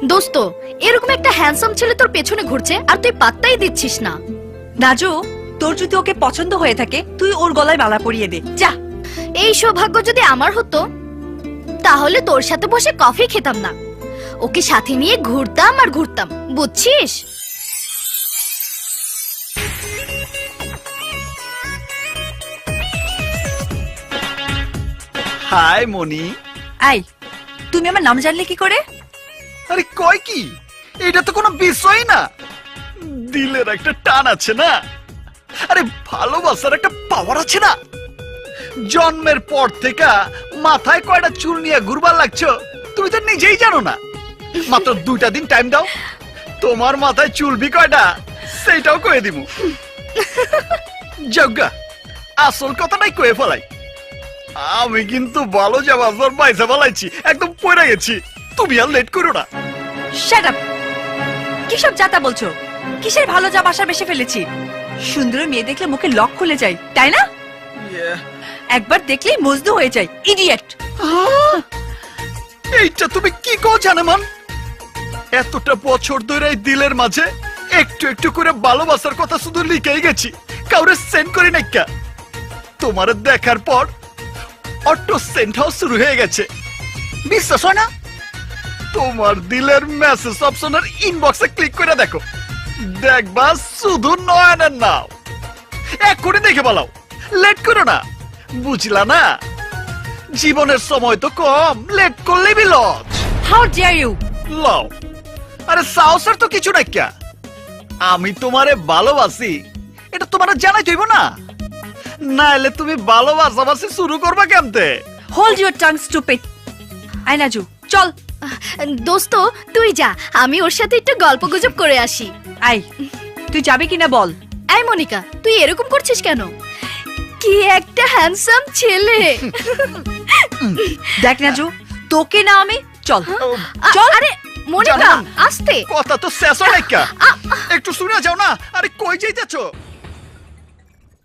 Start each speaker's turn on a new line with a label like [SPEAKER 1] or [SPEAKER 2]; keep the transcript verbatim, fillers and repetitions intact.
[SPEAKER 1] দোস্ত, এরকম একটা হ্যান্ডসাম ছেলে তোর পেছনে ঘুরছে আর তুই পাত্তাই দিচ্ছিস না।
[SPEAKER 2] নাজু, তোর যদি ওকে পছন্দ হয়ে থাকে তুই ওর গলায় মালা পরিয়ে দে, যা।
[SPEAKER 1] এই সৌভাগ্য যদি আমার হতো তাহলে তোর সাথে বসে কফি খেতাম না, ওকে সাথে নিয়ে ঘুরতাম আর ঘুরতাম, বুঝছিস?
[SPEAKER 3] High Moni.
[SPEAKER 2] আই, তুমি আমার নাম জানলে কি করে?
[SPEAKER 3] আরে কয় কি, এটা তো কোনো বিষয় না। দিলের একটা টান আছে না, আরে ভালোবাসার একটা পাওয়ার আছে না। জন্মের পর থেকে মাথায় কয়টা চুল নিয়ে ঘুরবার লাগছো তুমি তো নিজেই জানো না। মাত্র দুইটা দিন টাইম দাও, তোমার মাথায় চুলবি কয়টা সেইটাও কয়ে দিব। যজ্ঞা, আসল কথাটাই কয়ে ফেলাই। আমি কিন্তু ভালো যাবার পয়সা ফেলাইছি, একদম পড়ে গেছি। তুমি আর লেট করো না।
[SPEAKER 2] Shut up! কিসব যাতা বলছো? কিসের ভালো যা বাসা বেশে ফেলেছি? সুন্দর মেয়ে দেখলে মুখে লক খুলে যায়, তাই না? একবার দেখলেই মজনু হয়ে যায়, ইডিয়েট।
[SPEAKER 3] এইটা তুমি কি কও জানেমান? এতটা বছর ধরে এই দিলের মাঝে একটু একটু করে ভালোবাসার কথা শুধু লিখেই গেছি, কাউরে সেন্ড করি নাই। কা তোমার দেখার পর অটো সেন্ড হাউস শুরু হয়ে গেছে, বিশ্বাস হয় না? তোমার দিলের মেসেজ অপশনের ইনবক্সে ক্লিক করে দেখো, দেখবা শুধু নয়নের নাও। এক্ষুনি দেখে বলাও, লেট করো না, বুঝলা না? জীবনের সময় তো কম, লেট করলে বিলজ।
[SPEAKER 2] How deer you!
[SPEAKER 3] লও, আরে সাহসের তো কিছু নাই। কা আমি তোমারে ভালোবাসি এটা তোমার জানাই হইব না, নাইলে তুমি ভালোবাসাবাসি শুরু করবা কেমতে?
[SPEAKER 2] Hold your tongue, stupid. আই নাজু, চল।
[SPEAKER 1] দোস্ত তুই যা, আমি ওর সাথে একটু গল্প গুজব করে আসি।
[SPEAKER 2] আই, তুই যাবি কিনা বল?
[SPEAKER 1] এই মনিকা, তুই এরকম করছিস কেন? কি একটা হ্যান্ডসাম ছেলে।
[SPEAKER 2] দেখ নাজু, তোকে না আমি, চল
[SPEAKER 1] চল। আরে মনিকা,
[SPEAKER 3] জানেমান,
[SPEAKER 1] আস্তে।
[SPEAKER 3] কথা তো শেষ হয় নাই। কা একটু শুনে যাও না। আরে কই যাইতেছো?